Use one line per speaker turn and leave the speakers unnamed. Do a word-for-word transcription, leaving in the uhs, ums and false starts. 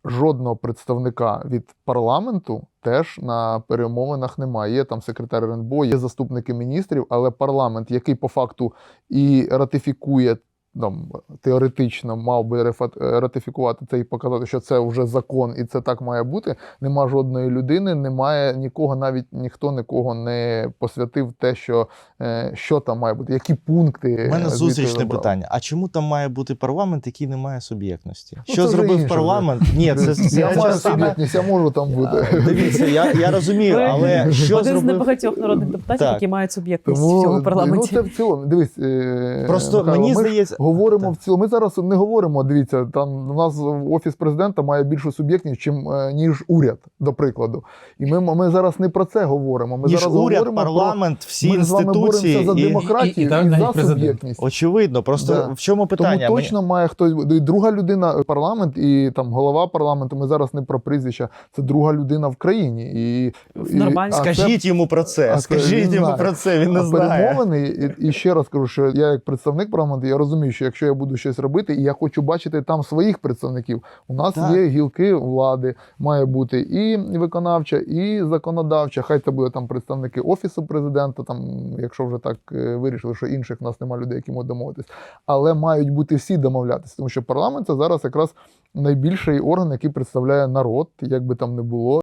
жодного представника від парламенту теж на перемовинах немає. Є там секретар РНБО, є заступники міністрів, але парламент, який по факту і ратифікує, там, теоретично мав би ратифікувати це і показати, що це вже закон і це так має бути, нема жодної людини, немає нікого, навіть ніхто нікого не посвятив те, що, що там має бути, які пункти.
У мене зустрічне питання. А чому там має бути парламент, який не має суб'єктності?
Ну,
що зробив парламент?
Вже.
Ні, це, це
я маю
частина...
суб'єктність, я можу там бути.
Дивіться, я, я розумію, але що
Один
зробив...
з небагатьох народних депутатів,
Так.
які мають суб'єктність
Тому,
в цьому парламенті.
Ну, це в цілому, дивись,
Просто
Михайло,
мені
ми
здається...
говоримо
так.
в цілому. Ми зараз не говоримо, дивіться, там у нас Офіс президента має більшу суб'єктність, чим, ніж уряд, до прикладу. І ми, ми зараз не про це говоримо. Ми
Ніж
зараз
уряд,
говоримо
парламент,
про...
всі
ми
інституції.
Ми з вами боремося за
і...
демократію і,
і, і, і,
і
навіть
за
президент.
суб'єктність.
Очевидно, просто
Да.
в чому питання?
Тому точно має хтось, і друга людина, парламент і там голова парламенту, ми зараз не про прізвища, це друга людина в країні. І,
Нормально.
і, а
Скажіть
це,
йому про це,
а
скажіть
він
йому
знає.
про це, він не
а
знає.
перемовини, і, і ще раз кажу, що я як представник парламенту, я розумію, що якщо я буду щось робити, і я хочу бачити там своїх представників, у нас
Так.
є гілки влади, має бути і виконавча, і законодавча, хай це буде там представники Офісу президента, там, якщо вже так е, вирішили, що інших в нас немає людей, які можуть домовитись, але мають бути всі домовлятися, тому що парламент це зараз якраз найбільший орган, який представляє народ, як би там не було.